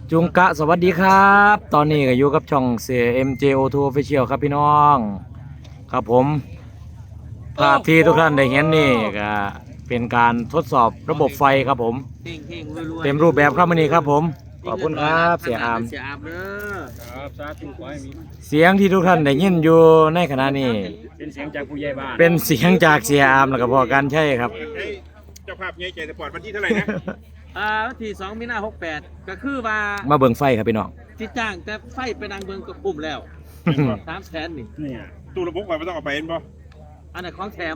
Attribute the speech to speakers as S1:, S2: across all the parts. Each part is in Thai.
S1: จุงกะสวัสดีครับ ตอนนี้ก็อยู่กับช่องเสีย MJO2 Official ครับพี่น้องครับผมภาพที่ทุกท่านได้เห็นนี่ก็เป็นการทดสอบระบบไฟครับผมเต็มรูปแบบครับวันนี้ครับผมขอบคุณครับเสียอาม
S2: ครับสาธุขอให้มี
S1: เสียงที่ทุกท่านได้ยินอยู่ในขณะนี้
S2: เป็นเสียงจากผู้ใหญ่บ้าน
S1: เป็นเสียงจากเสียอามแล้วก็พอกันใช่ครับ
S3: เจ้าภาพใหญ่ใจสปอร์ตวันที่เท่าไหร่นะ
S4: วันที่2 มีนา 68ก็คือว่า
S1: มาเบิ่งไฟครับพี่น้อง
S4: จิจ้างแต่ไฟไปนางเบิงกับปุ่มแล้ว300,000นี่
S2: เนี่ย
S3: ตู้ระบบก่อนไม่ต้องเอาไปเห็นป่ะ
S4: อันนั้นของแถม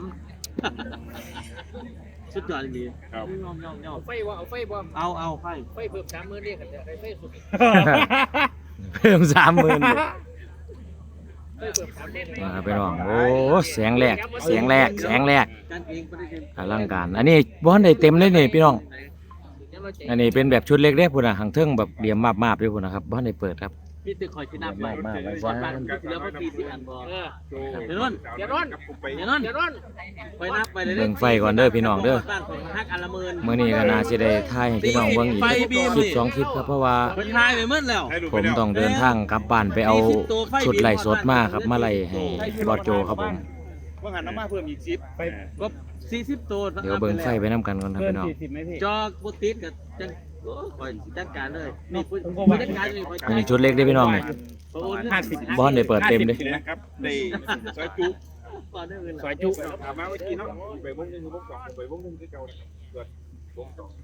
S4: สุดยอดจริง
S3: ครับ
S4: ไฟว่าเอาไฟบ่เอาไฟเพิ่ม30,000เรียกกันได้ไฟสุด
S1: เพิ่ม30,000เลย
S4: ไฟเพิ่ม30,000
S1: มาครับพี่น้องโอ้แสงแรกแสงแรก
S4: กันเองบ่ได้เต็ม
S1: อลังการอันนี้บ้านได้เต็มเลยนี่พี่น้องอันนี้เป็นแบบชุดเล็กๆพุ่นน่ะหางเทิงแบบเหลี่ยมมาบๆด้วยพุ่นนะครับบ้านได้เปิดครับ
S4: มีตึกคอยที่นับไว้
S1: มากๆไว้
S4: ก่
S1: ซะ
S4: อนบ้านเหลือพอ40อันบ่เดี๋ยวนั่นไปนับไปเลย
S1: เบิ่งไฟก่อนเด้อพี่น้องเด้อ
S4: บ้านผมฮักอันละหมื่น
S1: มื้อนี้ก็น่าสิได้ถ่ายให้พี่น้องเบิ่งอีกคลิป2คลิปครับเพราะว่า
S4: เพิ่นทายไปหมดแล้ว
S1: ผมต้องเดินทางกลับบ้านไปเอาชุดไล่สดมาครับมาไล่ให้บอสโจครับผม
S3: ว่าหันน้ำมาเพิ่มอีก10ไป
S4: ก็40ตัว
S1: เดี๋ยวเบิ่งไฟไปนํกันก่อนครับ
S2: เกิน
S1: พี่น้อง
S2: 40ไหมพี่
S4: จอกบุติดกับจังโอ้คอยจัดการเลยมีผู้จัดการเลยคอย
S1: อันนี้ชุดเล็กเด้อพี่น้องนี่
S2: 50
S1: บ้านได้เปิดเต็มเด้อ
S3: นะครับได้ซอยจุ
S4: ก่อนได้เงิน
S2: ซอยจุ
S3: ถามมาเมื่อกี้เนาะไปวงหนึงคือวงสองไปวงหนึงคือเก่าเกิดวงสอง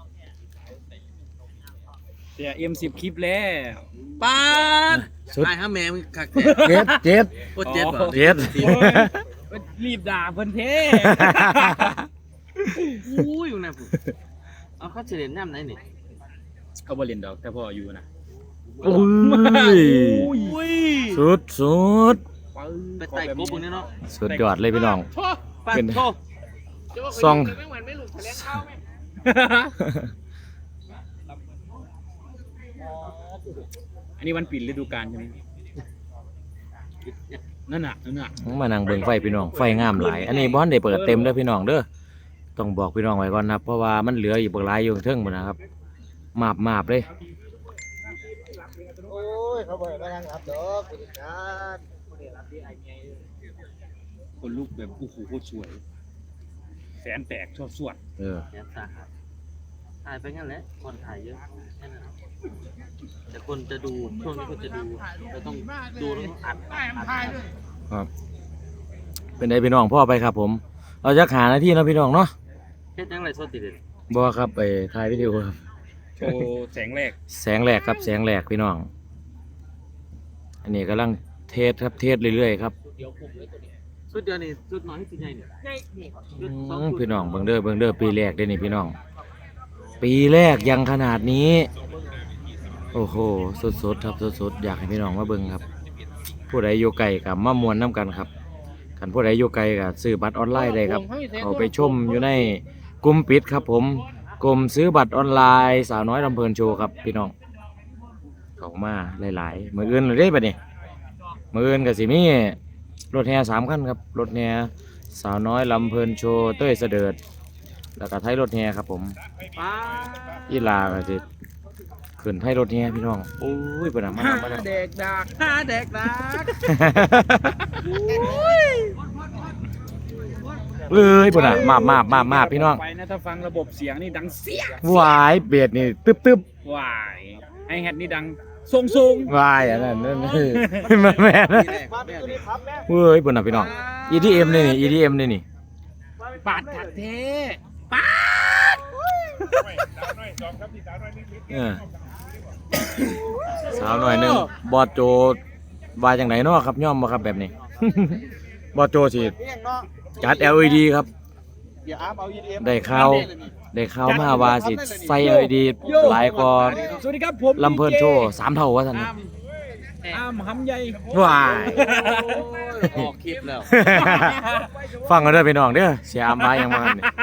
S2: เสีย M10 คลิปแล้ว
S4: ปาด
S1: ชุด
S4: ไอ้ห้าแม่มึงขักแท้
S1: เจ็ด
S4: โคตรเจ็บเหรอ
S1: เจ็ด
S2: รีบด่าเพิ่นเท่
S4: อุ้ยอยู่ไหนผมเอาเข้าเฉลี่ยน้ำไหนนี่
S2: เขาบ่เล่นดอกแต่พ่ออยู่นะ
S1: อุ้ย
S4: อุ้ย
S1: สุด
S4: ไปไต่ปุ๊บมึงเนี่ยเนาะ
S1: สุดยอดเลยพี่น้อง
S4: ปาดโทษ
S1: ซอง
S2: อันนี้วันปิดฤดูกาลใช่ไหมนั่นน่ะ
S1: มานั่งเบิ่งไฟพี่น้องไฟงามหลายอันนี้บ้านได้เปิดเต็มเด้อพี่น้องเด้อต้องบอกพี่น้องไว้ก่อนนะครับเพราะว่ามันเหลืออีกบักหลายอยู่เทิงหมดนะครับมาบเลย
S5: โอ้ยเขาบอกว่าทางรับดอกบริการ
S2: คนลูกแบบโอ้โหโคตรสวยแสนแตกชอบสวด
S1: เออ
S4: แย่สาหัสถ่ายไปงั้นแหละคนถ่ายเยอะแค่นั้นแต่คนจะดูช่วงนี้คนจะดูเราต้องดูแล้วต้องอัด
S1: ครับเป็นไดพี่น้องพ่อไปครับผมเราจะหาหน้าที่เนาะพี่น้องเนาะ
S4: เฮ็ดยังไรโซติเด็ด
S1: บ่ครับไปถ่ายวิดีโอครับ
S2: โชว์แสงแรก
S1: แสงแรกครับแสงแรกพี่น้อง อันนี้กำลังเทสครับเทสเรื่อยๆครับ
S4: สุดเดียวนี่สุดน้อยที่สุดใหญ่เนี่ยสุดสอง
S1: พี่น้องเบิ่งเด้อปีแรกเด้อนี่พี่น้อง ปีแรกยังขนาดนี้ โอ้โหสดๆครับสดๆอยากให้พี่น้องมาเบิ่งครับ ผู้ใดอยู่ไกลกับมามวนน้ำกันครับกันผู้ใดอยู่ไกลกับซื้อบัตรออนไลน์ได้ครับเอาไปชมอยู่ในกลุ่มปิดครับผมกลุ่มซื้อบัตรออนไลน์สาวน้อยลำเพลินโชว์ครับพี่น้องเข้ามาหลายๆมื้ออื่นเลยเด้บัดนี้มื้ออื่นก็สิมีรถแห่3คันครับรถแห่สาวน้อยลำเพลินโชว์เต้ยเสดิร์ดแล้วก็ไทยรถแห่ครับผม
S4: ป้า
S1: อีลาก็สิขึ้นไทยรถแห่พี่น้องโอ้ยเพิ่นน่ะมา
S2: เด็กดัก
S4: ห้าเด็กดัก
S1: เอ้ยเพิ่นน่ะมาพี่น้อง
S2: ไปนะถ้าฟังระบบเสียงนี่ดังเสีย
S1: หวายเบียดนี่ตึ๊บ
S2: วายไอแฮดนี่ดังทรง
S1: วายอันนั้นนั่นมาแม่นะ
S5: มาเป็นตัวนี้ครับแม่
S1: เฮ้ยเพิ่นน่ะพี่น้อง EDM นี่นี่ EDM นี่นี่
S2: ๆปาดขัดเท่
S1: เออสาวหน่อยหนึงบอดโจว่าจังไดเนาะครับย่อมบ่ครับแบบนี้ บอดโจสิ
S5: เพียงเนาะ
S1: จัด LED ครับ
S5: เดี๋ยวอาร์มเอา EDM
S1: ได้ข่าวมาว่าสิใส่ LED หลายกว่า
S2: สวัสดีครับผม
S1: ลำเพลินโชว์3เท่าว่าซั่นนะ
S2: อ้ามหำใหญ่
S1: ว้าย
S4: ออกคลิปแล้ว
S1: ฟังกันเด้อพี่น้องเด้อเสียอามบายังมาเนี่ย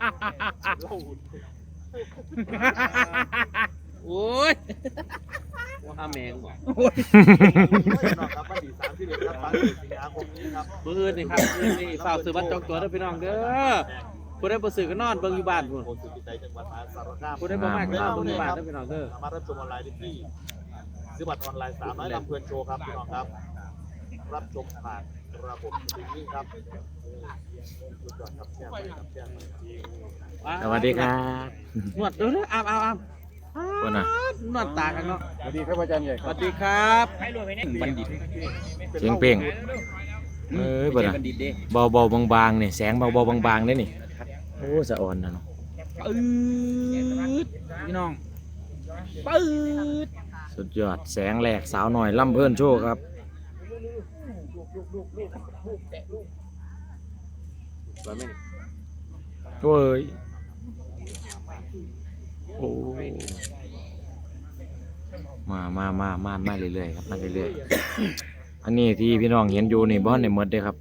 S4: โอ้ยว่าแมงบ่
S5: ครับวันที่31ครับสิงหาคมนี้ครับ
S4: มื้ออื่นนี่ครับมื้อนี้ฝากซื้อบัตรจองตัวเด้อพี่น้องเด้อผู้ใดบ่ซื้อก็นอนเบิ่งอยู่บ้านพุ่น
S5: โพสต์สุดใจจังหวัดมหาสารคาม
S4: ผู้ใดบ่มากก็นอนเบิ่งอยู่บ้านเด้อพี่น้องเด้อ
S5: สามารถรับชมออนไลน์ได้ที่ซื้อบัตรออนไลน์300ลำเพลินโชว์ครับพี่น้องครับรับชมผ่านระบบสตรีมมิ่งครับสุดยอดครับแชร์ไปครับแชร์ไป
S1: สวัสดีครับ
S4: นวดเดี๋ยวอาบ
S1: คนน่ะ
S4: นวดตากันเนาะ
S3: สวัสดีครับอาจารย์ใหญ่
S4: สวัสดีครับ
S2: บัณฑิต
S1: เสียงเป่งบ่น่ะ
S2: บัณฑิตเด้
S1: เบาๆบางๆนี่แสงเบาๆบางๆเด้นี่โอ้สะอ่อนนะเนาะ
S2: ปื๊ดพี่น้องปื๊ด
S1: สุดยอดแสงแหลกสาวหน่อยล่ำเพิ่นโชว์ครับโอ้ยโอ้มาเรื่อยๆครับมาเรื่อยๆอันนี้ที่พี่น้องเห็นอยู่นี่บ่ในหมดเด้ครับ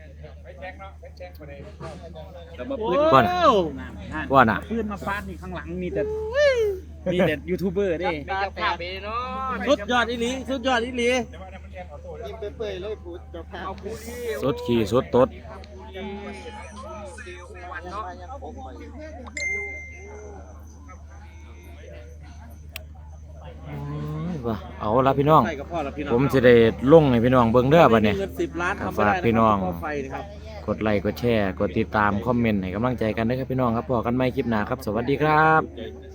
S2: แต่มาปื๊ด
S1: ก่อนว่าน่ะ
S2: ปื๊ดมาฟาดนี่ข้างหลังมีแต่ยูทูบเบอร์เด้
S4: สุดยอดอีหลีสุดยอดอีหลี
S5: ยิ้มเปื่อยๆเลยพูดเจ้าภาพ
S1: สุดขี่สุดตดว่าเอาละพี่น้อง
S4: ใส่กับพ่อแล้วพี่น้อง
S1: ผมจะได้ลงให้พี่น้องเบิ่งเด้อบัดนี้
S4: เงิน10 ล้านทำไม่
S1: ฝาก
S4: ได้
S1: พี่น้อง
S4: พ่อไฟนะครับ
S1: กดไลค์กดแชร์กดติดตามคอมเมนต์ให้กำลังใจกันด้วยครับพี่น้องครับพอกันใหม่คลิปหน้าครับ สวัสดีครับ
S5: ใจ